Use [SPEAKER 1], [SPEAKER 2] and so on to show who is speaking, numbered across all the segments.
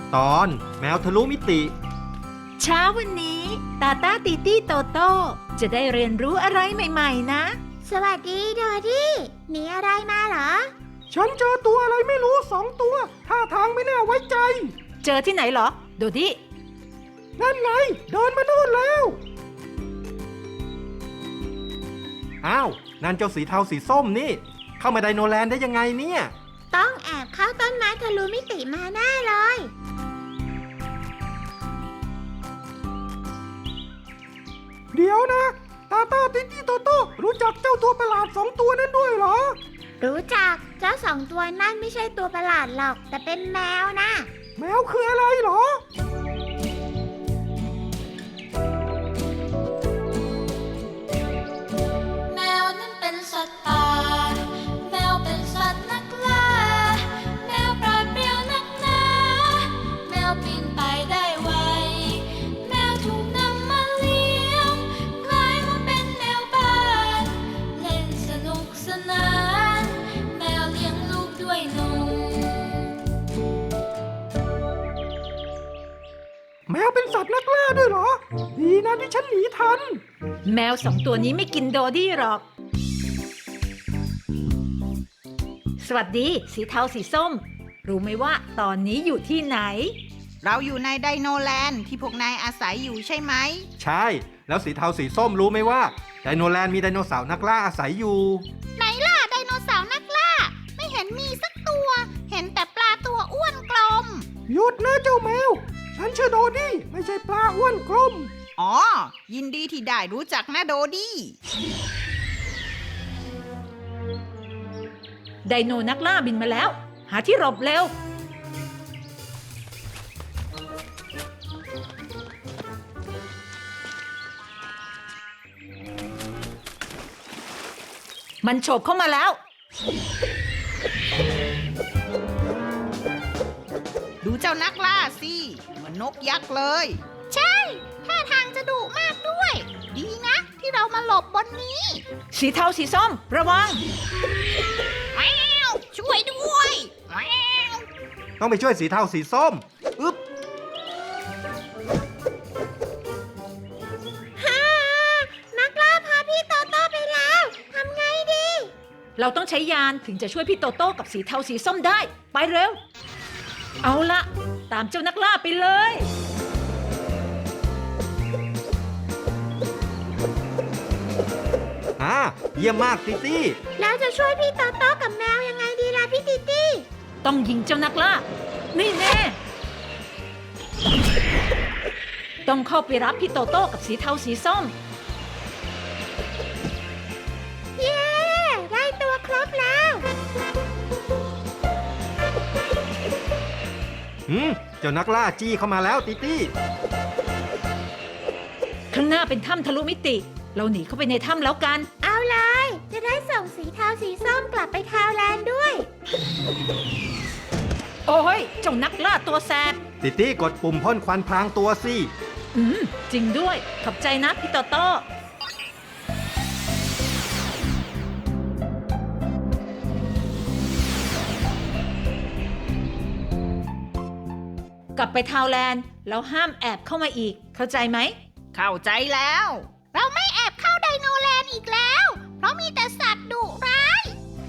[SPEAKER 1] ตอนแมวทะลุมิติ
[SPEAKER 2] เช้าวันนี้ตาต้าตีตี้โตโต้จะได้เรียนรู้อะไรใหม่ๆนะ
[SPEAKER 3] สวัสดีโดดี้หนีอะไรมาเหรอ
[SPEAKER 4] ฉันเจอตัวอะไรไม่รู้2 ตัวท่าทางไม่น่าไว้ใจ
[SPEAKER 2] เจอที่ไหนเหรอโดดี้
[SPEAKER 4] นั่นไงเดินมาโน่นแล้ว
[SPEAKER 1] อ้าวนั่นเจ้าสีเทาสีส้มนี่เข้ามาไดโนแลนด์ได้ยังไงเนี่ย
[SPEAKER 3] ต้องแอบเข้าต้นไม้ทะลุมิติมาแน่เลย
[SPEAKER 4] เดี๋ยวนะตาต้าติ๊ตี้โตโต้รู้จักเจ้าตัวประหลาด2 ตัวนั้นด้วยเหรอ
[SPEAKER 3] รู้จักเจ้า2 ตัวนั่นไม่ใช่ตัวประหลาดหรอกแต่เป็นแมวนะ
[SPEAKER 4] แมวคืออะไรเหรอ
[SPEAKER 5] แมวนั้นเป็นสัตว์ป่าแมวเป็นสัตว์นักล่าแมวปราดเปรียวนักหนาแมวปีนไปได้ไวแมวถูกนำมาเลี้ยงกลายมาเป็นแมวบ้านเล่นสนุกสนานแมวเลี้ยงลูกด้วยนม
[SPEAKER 4] แมวเป็นสัตว์นักล่าด้วยเหรอดีนะที่ฉันหนีทัน
[SPEAKER 2] แมว2 ตัวนี้ไม่กินโดดี้หรอกสวัสดีสีเทาสีส้มรู้ไหมว่าตอนนี้อยู่ที่ไหน
[SPEAKER 6] เราอยู่ในไดโนแลนด์ที่พวกนายอาศัยอยู่ใช่ไหม
[SPEAKER 1] ใช่แล้วสีเทาสีส้มรู้ไหมว่าไดโนแลนด์มีไดโนเสาร์นักล่าอาศัยอยู่
[SPEAKER 6] ไหนล่ะไดโนเสาร์นักล่าไม่เห็นมีสักตัวเห็นแต่ปลาตัวอ้วนกลม
[SPEAKER 4] หยุดนะเจ้าแมวฉันชื่อโดดี้ไม่ใช่ปลาอ้วนกลม
[SPEAKER 6] อ๋อยินดีที่ได้รู้จักนะโดดี้
[SPEAKER 2] ไดโนนักล่าบินมาแล้วหาที่หลบเร็วมันโฉบเข้ามาแล้ว
[SPEAKER 6] ดูเจ้านักล่าสิเหมือนนกยักษ์เลยใช่ท่าทางจะดุมากด้วยดีนะที่เรามาหลบบนนี้
[SPEAKER 2] สีเทาสีส้มระวัง
[SPEAKER 6] แมวช่วยด้วยแมว
[SPEAKER 1] ต้องไปช่วยสีเทาสีส้มอึ๊บ
[SPEAKER 3] ฮ่านักล่าพาพี่โตโต้ไปแล้วทำไงดี
[SPEAKER 2] เราต้องใช้ยานถึงจะช่วยพี่โตโต้กับสีเทาสีส้มได้ไปเร็วเอาละตามเจ้านักล่าไปเลย
[SPEAKER 1] เยี่ยมมากติตี้
[SPEAKER 3] แล้วจะช่วยพี่โตโต้กับแมวยังไงดีล่ะพี่ติตี้
[SPEAKER 2] ต้องยิงเจ้านักล่านี่แน่ต้องเข้าไปรับพี่โตโต้กับสีเทาสีส้ม
[SPEAKER 3] เย้ได้ตัวครบแล้ว
[SPEAKER 1] เจ้านักล่าจี้เข้ามาแล้วติตี้
[SPEAKER 2] ข้างหน้าเป็นถ้ำทะลุมิติเราหนีเข้าไปในถ้ำแล้วกัน
[SPEAKER 3] เอาเลยจะได้ส่งสีเทาสีส้มกลับไปทาวแลนด์ด้วย
[SPEAKER 2] โอ้ยเจ้านักล่าตัวแสบ
[SPEAKER 1] ติตี้กดปุ่มพ่นควันพรางตัวสิ
[SPEAKER 2] จริงด้วยขอบใจนะพี่โตโต้กลับไปทาวแลนด์แล้วห้ามแอบเข้ามาอีกเข้าใจไหม
[SPEAKER 6] เข้าใจแล้วเราไม่แอบเข้าไดโนแลนด์อีกแล้วเพราะมีแต่สัตว์ดุร้าย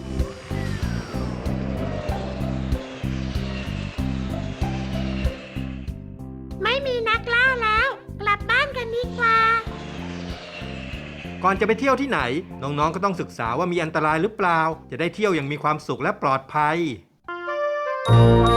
[SPEAKER 3] ไม่มีนักล่าแล้วกลับบ้านกันดีกว่า
[SPEAKER 1] ก่อนจะไปเที่ยวที่ไหนน้องๆก็ต้องศึกษาว่ามีอันตรายหรือเปล่าจะได้เที่ยวอย่างมีความสุขและปลอดภัย